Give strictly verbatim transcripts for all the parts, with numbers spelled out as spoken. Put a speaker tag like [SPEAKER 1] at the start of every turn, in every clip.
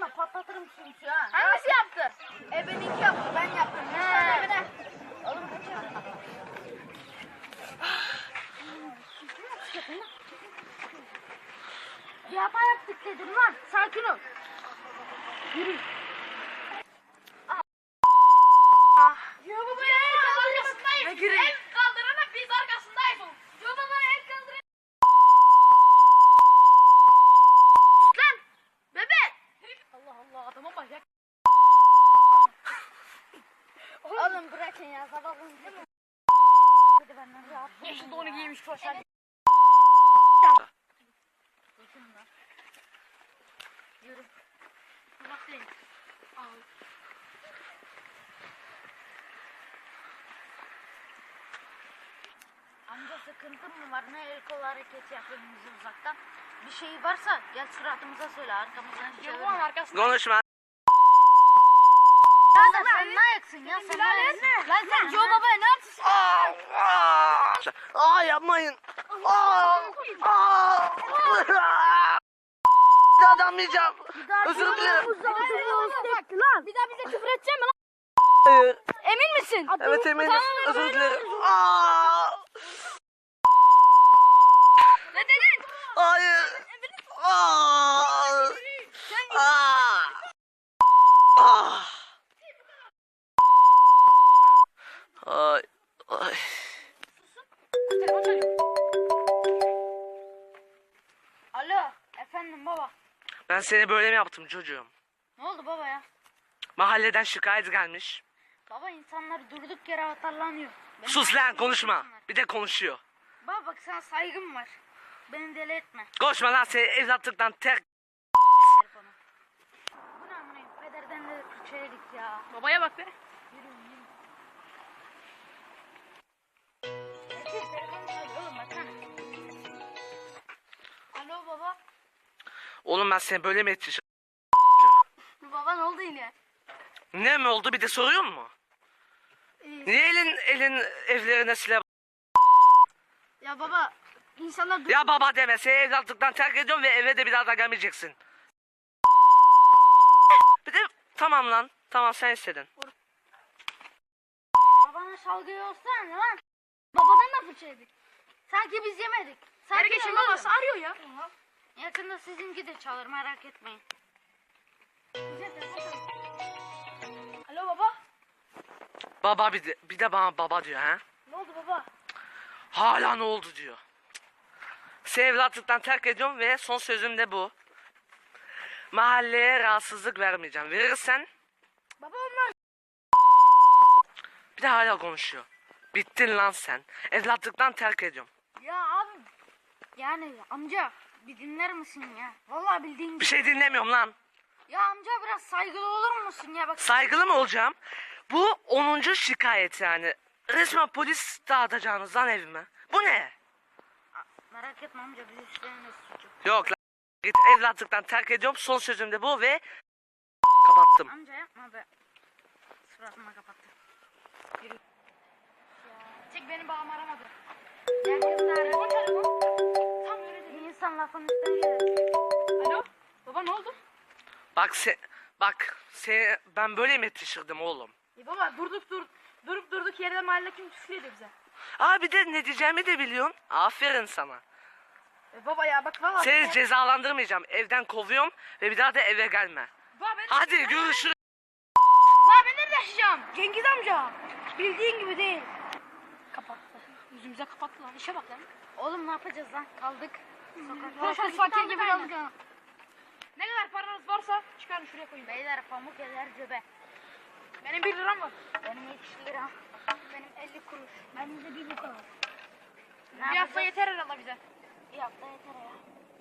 [SPEAKER 1] yaklaşma, patlatırım çünkü ha.
[SPEAKER 2] Hangisi yaptı?
[SPEAKER 1] E benimki yaptı, ben yaptım.
[SPEAKER 2] He.
[SPEAKER 1] Evine. Oğlum kaçıyor. Bir hata yaptık dedim lan. Sakin ol. Yürü.
[SPEAKER 2] Yo baba el kaldırmasındayız.
[SPEAKER 1] Ne gireyim?
[SPEAKER 2] El kaldırana biz arkasındayız oğlum. Yo baba el kaldırana. Lan bebe. Allah Allah adama bak ya.
[SPEAKER 1] Oğlum bırakın ya, sabahın değil mi? Hadi benden rahat.
[SPEAKER 2] Yeşil donu giymiş koşar.
[SPEAKER 1] Yürü.
[SPEAKER 2] Bak değil. Al.
[SPEAKER 1] Amca sıkıntın mı var? Ne el kol hareketi yapıyorsunuz uzaktan? Bir şey varsa gel suratımıza söyle, arkamızdan
[SPEAKER 2] Yo
[SPEAKER 1] çevir.
[SPEAKER 2] babanın arkasında.
[SPEAKER 3] Konuşma.
[SPEAKER 1] Sen de sen ne ayaksın ya? Sen ne ayaksın? Lan sen Joe Baba'ya ne yapıyorsun?
[SPEAKER 3] Aa, aa yapmayın. Aa, aa. Bir daha damlayacağım. Özür dilerim.
[SPEAKER 1] Lan. Bir daha bize küfür edecek mi lan?
[SPEAKER 3] Hayır.
[SPEAKER 1] Emin misin?
[SPEAKER 3] Evet eminim. Özür dilerim. Aa.
[SPEAKER 2] Ne dedin?
[SPEAKER 3] Hayır. Aa. Aa. Ah. Ay. Ay.
[SPEAKER 2] Telefon çalıyor.
[SPEAKER 1] Alo. Efendim baba.
[SPEAKER 3] Ben seni böyle mi yaptım çocuğum?
[SPEAKER 1] Ne oldu baba ya?
[SPEAKER 3] Mahalleden şikayet gelmiş.
[SPEAKER 1] Baba insanlar durduk yere atarlanıyor. Benim
[SPEAKER 3] Sus lan
[SPEAKER 1] hakkımda
[SPEAKER 3] konuşma.
[SPEAKER 1] insanlar.
[SPEAKER 3] Bir de konuşuyor.
[SPEAKER 1] Baba bak sana saygım var. Beni deli etme.
[SPEAKER 3] Konuşma lan seni evlatlıktan terk.
[SPEAKER 1] Telefonu. Bu ne amına? Pederden de Türkçe'ye git ya.
[SPEAKER 2] Babaya bak be.
[SPEAKER 1] Yürü yürü. Erkek telefonu çalıyor oğlum baksana. Alo baba.
[SPEAKER 3] Oğlum ben seni böyle mi yetiştirdim?
[SPEAKER 1] Baba ne oldu yine?
[SPEAKER 3] Ne mi oldu bir de soruyor mu?
[SPEAKER 1] İyi.
[SPEAKER 3] Niye elin elin evlerine silah?
[SPEAKER 1] Ya baba insanlar dur.
[SPEAKER 3] Ya baba deme seni evlatlıktan terk ediyorum ve eve de bir daha da gelmeyeceksin. Bir de tamam lan. Tamam sen istedin.
[SPEAKER 1] Babana salgıyı olsana ne lan? Babadan da fırça yedik. Sanki biz yemedik. Sanki
[SPEAKER 2] Herkesin
[SPEAKER 1] oğlum.
[SPEAKER 2] babası arıyor ya.
[SPEAKER 1] Yakında sizinki de çalır merak etmeyin. Alo baba.
[SPEAKER 3] Baba bir de, bir de bana baba diyor ha.
[SPEAKER 1] Ne oldu baba?
[SPEAKER 3] Hala ne oldu diyor. Seni evlatlıktan terk ediyorum ve son sözüm de bu. Mahalleye rahatsızlık vermeyeceğim. Verirsen
[SPEAKER 1] Baba onlar.
[SPEAKER 3] bir de hala konuşuyor. Bittin lan sen. Evlatlıktan terk ediyorum.
[SPEAKER 1] Ya abi. Yani amca bir dinler misin ya? Vallahi bildiğin
[SPEAKER 3] Bir
[SPEAKER 1] gibi.
[SPEAKER 3] şey dinlemiyorum lan.
[SPEAKER 1] Ya amca biraz saygılı olur musun ya? Bak.
[SPEAKER 3] Saygılı mı olacağım? Bu onuncu şikayet yani. Resmen polis dağıtacağınız lan evime. Bu ne?
[SPEAKER 1] Merak etme amca biz üstlerinde suçu.
[SPEAKER 3] Yok lan. Git evlatlıktan terk ediyorum. Son sözüm de bu ve kapattım.
[SPEAKER 1] Amca yapma be. Suratıma kapattı. Yürü.
[SPEAKER 2] Tek benim babam aramadı.
[SPEAKER 1] Herkes de arıyor.
[SPEAKER 2] Tam öyle dedi.
[SPEAKER 1] İnsan lafın üstüne gelir.
[SPEAKER 2] Alo. Baba ne oldu?
[SPEAKER 3] Bak sen, bak seni ben böyle mi yetiştirdim oğlum?
[SPEAKER 2] E baba durduk dur durup durduk yerde mahalle kim küfür ediyor bize.
[SPEAKER 3] Aa bir de ne diyeceğimi de biliyorsun. Aferin sana.
[SPEAKER 2] E baba ya bak valla.
[SPEAKER 3] Seni cezalandırmayacağım. Evden kovuyorum ve bir daha da eve gelme.
[SPEAKER 2] Baba ben
[SPEAKER 3] Hadi görüşürüz.
[SPEAKER 2] Baba ben nerede yaşayacağım? Cengiz amca. Bildiğin gibi değil. Kapattı. Yüzümüze kapattı lan. İşe bak lan.
[SPEAKER 1] Oğlum ne yapacağız lan? Kaldık. Sokakta.
[SPEAKER 2] Fakir fakir gibi kaldık ha. Ne kadar paranız varsa çıkarın şuraya koyun.
[SPEAKER 1] Beyler pamuk eder cebe.
[SPEAKER 2] Benim bir liram var.
[SPEAKER 1] Benim yetmiş lira. Benim elli kuruş. Benim de bir bu kadar. Ne
[SPEAKER 2] Bir hafta yeter herhalde bize.
[SPEAKER 1] Bir hafta yeter ya.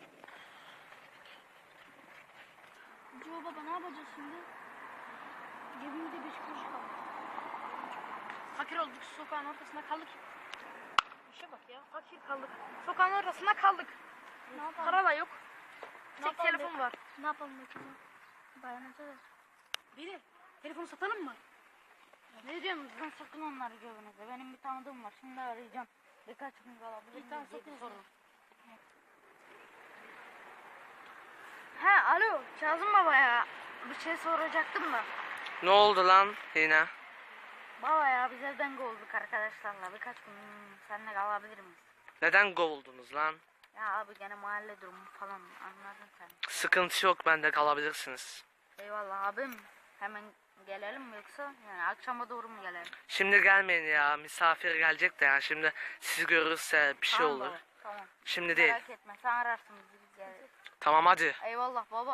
[SPEAKER 1] Joe baba ne yapacağız şimdi? Cebimde beş kuruş kaldı.
[SPEAKER 2] Fakir olduk sokağın ortasında kaldık. İşe bak ya fakir kaldık. Sokağın ortasında kaldık.
[SPEAKER 1] Ne yapalım?
[SPEAKER 2] Para da yok.
[SPEAKER 1] Ne
[SPEAKER 2] Tek
[SPEAKER 1] yapalım
[SPEAKER 2] telefon
[SPEAKER 1] be?
[SPEAKER 2] var.
[SPEAKER 1] Ne yapalım bakalım? Dayanacağız.
[SPEAKER 2] Biri telefonu satalım mı?
[SPEAKER 1] Ne diyorsunuz lan sakın onları cebinize. Benim bir tanıdığım var. Şimdi arayacağım. Birkaç gün kalabilir
[SPEAKER 2] Bir tane
[SPEAKER 1] miyiz diye bir
[SPEAKER 2] sakın
[SPEAKER 1] sorun. He alo Kazım baba ya. bir şey soracaktım da.
[SPEAKER 3] Ne oldu lan yine?
[SPEAKER 1] Baba ya biz evden kovulduk arkadaşlarla. Birkaç gün seninle kalabilir miyiz?
[SPEAKER 3] Neden kovuldunuz lan?
[SPEAKER 1] Ya abi gene mahalle durumu falan anladın sen.
[SPEAKER 3] Sıkıntı yok, bende kalabilirsiniz.
[SPEAKER 1] Eyvallah abim. Hemen gelelim mi yoksa yani akşama doğru mu gelelim?
[SPEAKER 3] Şimdi gelmeyin ya, misafir gelecek de ya, şimdi sizi görürse bir şey
[SPEAKER 1] Tamam
[SPEAKER 3] olur.
[SPEAKER 1] baba, tamam.
[SPEAKER 3] Şimdi değil.
[SPEAKER 1] Merak etme sen ararsın bizi biz geliriz.
[SPEAKER 3] Tamam hadi.
[SPEAKER 1] Eyvallah baba.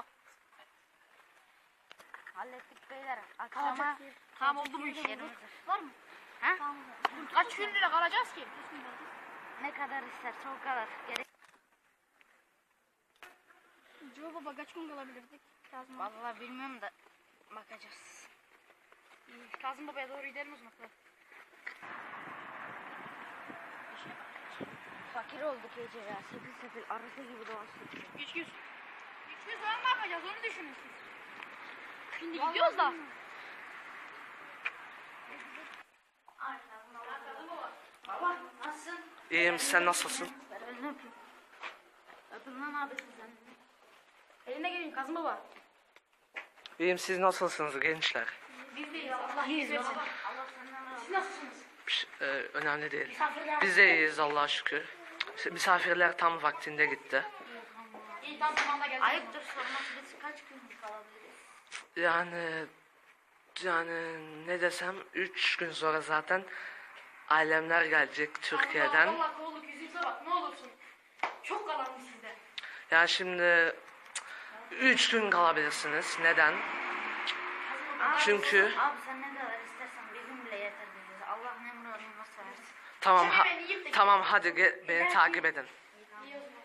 [SPEAKER 1] Hallettik beyler. Akşama
[SPEAKER 2] Tamam oldu bu iş.
[SPEAKER 1] yerimiz
[SPEAKER 2] Var mı?
[SPEAKER 1] Ha?
[SPEAKER 2] Kaç gün lira kalacağız ki?
[SPEAKER 1] Ne kadar isterse o kadar. Gerek.
[SPEAKER 2] Joe baba kaç gün kalabilirdik? Kazım,
[SPEAKER 1] Vallahi bilmiyorum da bakacağız.
[SPEAKER 2] Kazım babaya doğru gidelim o zaman.
[SPEAKER 1] Fakir olduk iyice ya. Sefil sefil arası gibi dolaştık.
[SPEAKER 2] Üç yüz. Üç yüz zaman ne yapacağız onu düşünün siz. Şimdi gidiyoruz da.
[SPEAKER 1] Baba nasılsın?
[SPEAKER 3] İyiyim, sen nasılsın?
[SPEAKER 1] Ver elini öpeyim. Öpün lan abisin sen.
[SPEAKER 2] Eline gelin Kazım baba.
[SPEAKER 3] İyiyim, siz nasılsınız gençler?
[SPEAKER 2] Biz deyiz. Allah iyiyiz versin.
[SPEAKER 1] Allah senden razı
[SPEAKER 2] Siz nasılsınız?
[SPEAKER 3] Bir şey- e, önemli değil.
[SPEAKER 2] Misafirler.
[SPEAKER 3] Biz de iyiyiz Allah'a şükür. Misafirler tam vaktinde gitti.
[SPEAKER 2] İyi tam zamanda geldik.
[SPEAKER 1] Ayıptır sorması biz kaç gün kalabiliriz?
[SPEAKER 3] Yani yani ne desem, üç gün sonra zaten ailemler gelecek Türkiye'den.
[SPEAKER 2] Allah kolluk yüzünüze bak ne olursun. Çok kalanmış sizde.
[SPEAKER 3] Yani şimdi üç gün kalabilirsiniz. Neden?
[SPEAKER 1] Abi,
[SPEAKER 3] Çünkü
[SPEAKER 1] Abi sen ne kadar istersen bizim bile yeter bize. Allah ne muradını nasıl versin.
[SPEAKER 3] tamam ha-
[SPEAKER 2] Seni ben yiyip de-
[SPEAKER 3] tamam hadi ge- beni takip edin.
[SPEAKER 2] İyi o zaman.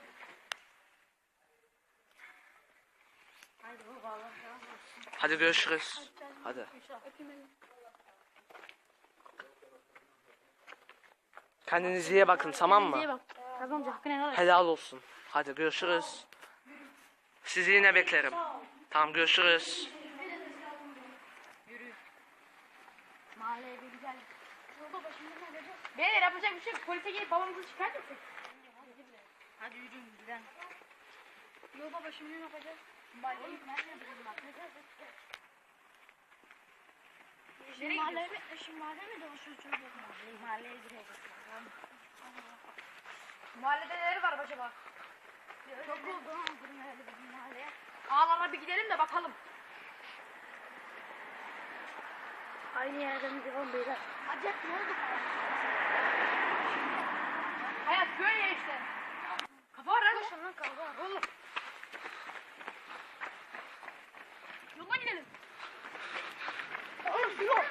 [SPEAKER 1] Haydi baba Allah razı olsun.
[SPEAKER 3] Hadi görüşürüz. Hadi.
[SPEAKER 2] Öpeyim elini.
[SPEAKER 3] Kendinize iyi bakın, tamam mı?
[SPEAKER 2] İyi bak. Kazım amca hakkını helal et.
[SPEAKER 3] Helal olsun. Hadi görüşürüz. Sizi yine beklerim. Tamam, görüşürüz.
[SPEAKER 1] Mahalleye bir güzel.
[SPEAKER 2] Beyler yapacak bir şey yok. Polise gelip babamızı şikayet etsek.
[SPEAKER 1] Hadi yürüyün gidelim.
[SPEAKER 2] Yo baba şimdi ne yapacağız?
[SPEAKER 1] Oğlum nerede bizim bak ne kadar
[SPEAKER 2] Şimdi mahalle mi? Şimdi mahalle mi dolaşıyoruz çocuklar?
[SPEAKER 1] mahalleye gireceğiz.
[SPEAKER 2] Mahallede neler var acaba?
[SPEAKER 1] Çok oldu ha girmeyeli bizim mahalleye.
[SPEAKER 2] Ağlarına bir gidelim de bakalım.
[SPEAKER 1] Aynı yerden mi devam beyler?
[SPEAKER 2] Acep ne oldu? Hayat böyle işte. Kafa var lan.
[SPEAKER 1] Koşun lan kavga var.
[SPEAKER 2] Oğlum. Yoldan gidelim. Oğlum yol.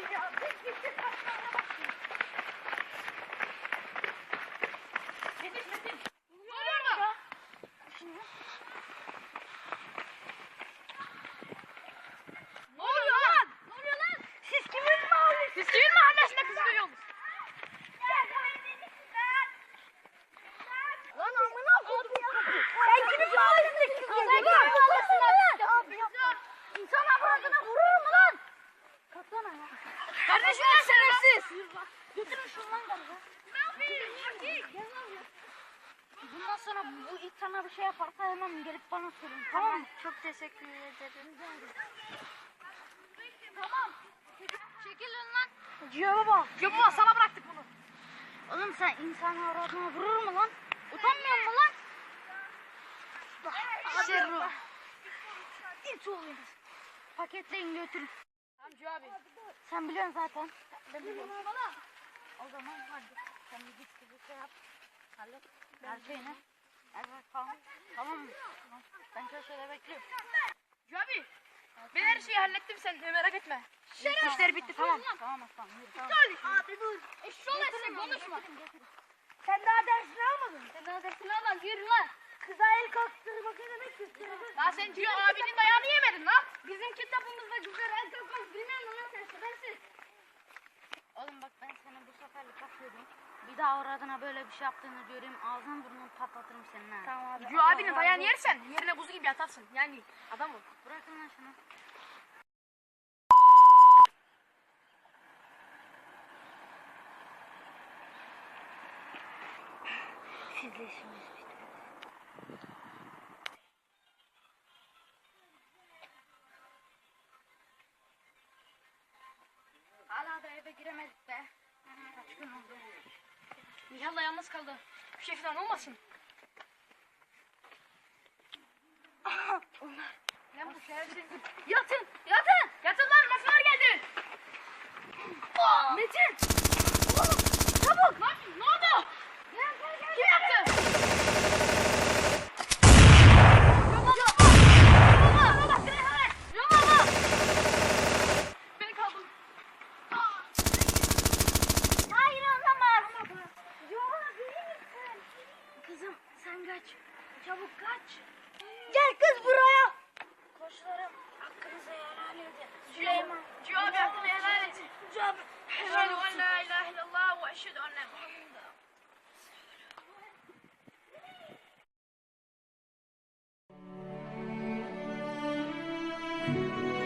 [SPEAKER 2] Yetiş yetiş. Ne oluyor orada? Ne oluyor lan? Ne oluyor lan? Siz kimin mahallesi? Siz kimin mahallesinde kız duyuyorsunuz?
[SPEAKER 1] Lan amına koydum ya. Sen kimin mahallesinde kız geziyorsun? İnsan avradına vurur mu lan? Katlana ya.
[SPEAKER 2] Kardeşim lan şerefsiz.
[SPEAKER 1] Götürün şunu lan galiba.
[SPEAKER 2] Ne yapıyorsun?
[SPEAKER 1] Gel lan ya. Bundan sonra bu ilk sana bir şey yaparsa hemen gelip bana sorun. Tamam mı? Çok teşekkür ederim. Tamam. Çekilin lan.
[SPEAKER 2] Ciyo baba. Ciyo baba sana bıraktık bunu.
[SPEAKER 1] Oğlum sen insan avradına vurur mu lan? Utanmıyor mu lan? Şerru. İt oluyoruz. Paketleyin götürün.
[SPEAKER 2] Tamam Ciyo abi.
[SPEAKER 1] Sen biliyorsun zaten. Ben biliyorum. O zaman hadi. Sen bir git bir şey yap. Hallet. Her şeyini. Evet tamam. Tamam mı? Tamam. Ben köşede bekliyorum.
[SPEAKER 2] Ciyo abi. Ben her şeyi hallettim sen de merak etme.
[SPEAKER 1] Tamam,
[SPEAKER 2] İşler bitti tamam.
[SPEAKER 1] Tamam aslan yürü. Tamam.
[SPEAKER 2] Abi dur. Eşşoğlu etsin konuşma.
[SPEAKER 1] Getirin, getirin.
[SPEAKER 2] Sen daha dersini almadın.
[SPEAKER 1] Sen daha dersini alma yürü lan.
[SPEAKER 2] Kıza el kalktırmak ne demek istiyorsun? Lan sen Ciyo abinin dayağını yemedin lan.
[SPEAKER 1] Bizim kitabımızda güzel el kalkmaz bilmiyorum lan sen şerefsiz. Oğlum bak ben seni bu seferlik affediyorum. Bir daha avradına böyle bir şey yaptığını göreyim ağzını burnunu patlatırım senin ha. Tamam abi.
[SPEAKER 2] Ciyo abinin dayağını yersen yerine buzu gibi yatarsın. Yani adam ol.
[SPEAKER 1] Bırakın lan şunu. Sizle işimiz bitti. giremedik be. Kaç gün oldu?
[SPEAKER 2] İnşallah yalnız kaldı. Bir şey falan olmasın. Lan bu şerefsiz.
[SPEAKER 1] Yatın! Yatın!
[SPEAKER 2] Yatın lan masalar geldi.
[SPEAKER 1] Metin! Oğlum! Çabuk!
[SPEAKER 2] Lan ne oldu?
[SPEAKER 1] Gel gel gel!
[SPEAKER 2] Kim yaptı? Beni kaldır.
[SPEAKER 1] Hayır olamaz! Yola değil misin? Kızım sen kaç. Çabuk kaç. Gel kız buraya. Koçlarım hakkınızı helal edin. Süleyman.
[SPEAKER 2] Ciyo abi hakkını helal et.
[SPEAKER 1] Ciyo abi.
[SPEAKER 2] Eşhedü en la ilahe illallah ve eşhedü enne Muhammeden.
[SPEAKER 1] Thank